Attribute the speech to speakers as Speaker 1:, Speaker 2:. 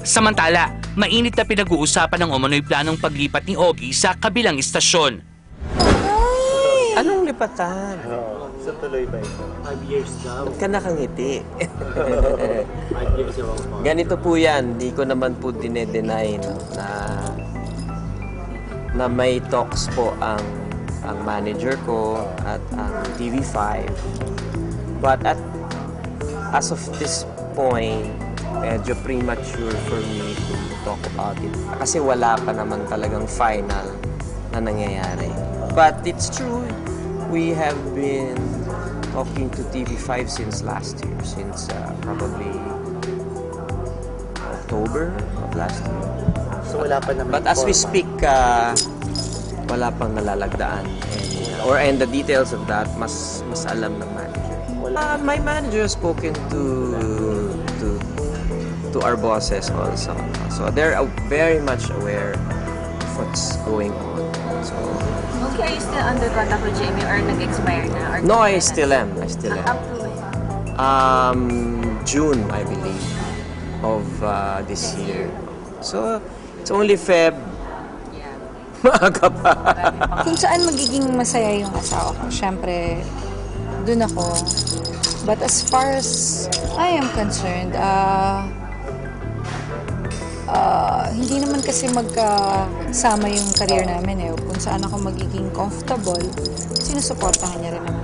Speaker 1: Samantala, mainit na pinag-uusapan ng umano'y planong paglipat ni Ogie sa kabilang istasyon.
Speaker 2: Anong lipatan?
Speaker 3: Sa tuloy ba ito? 5 years daw.
Speaker 2: Ba't ka nakangiti?
Speaker 3: 5 years daw po.
Speaker 2: Ganito po yan, di ko naman po dinedenay no, na may talks po ang manager ko at ang TV5. But as of this point, medyo premature for me to talk about it. Kasi wala pa naman talagang final na nangyayari. But it's true, we have been talking to TV5 since last year, since probably October of last year.
Speaker 3: So wala pa naman.
Speaker 2: But as we speak, wala pang nalalagdaan. And the details of that, mas alam ng manager. My manager has spoken to our bosses also. So they're very much aware of what's going on. So
Speaker 4: Okay, are you still under contract with Jamie or nag-expire na? Or
Speaker 2: no, I still am.
Speaker 4: Up to when?
Speaker 2: June, I believe, of this year. So it's only Feb.
Speaker 4: Yeah.
Speaker 2: Maaga pa.
Speaker 5: Kung saan magiging masaya yung asawa ko, syempre, dun ako. But as far as I am concerned, hindi naman kasi magkasama yung career namin eh. Kung saan ako magiging comfortable, sinusuportahan niya rin naman.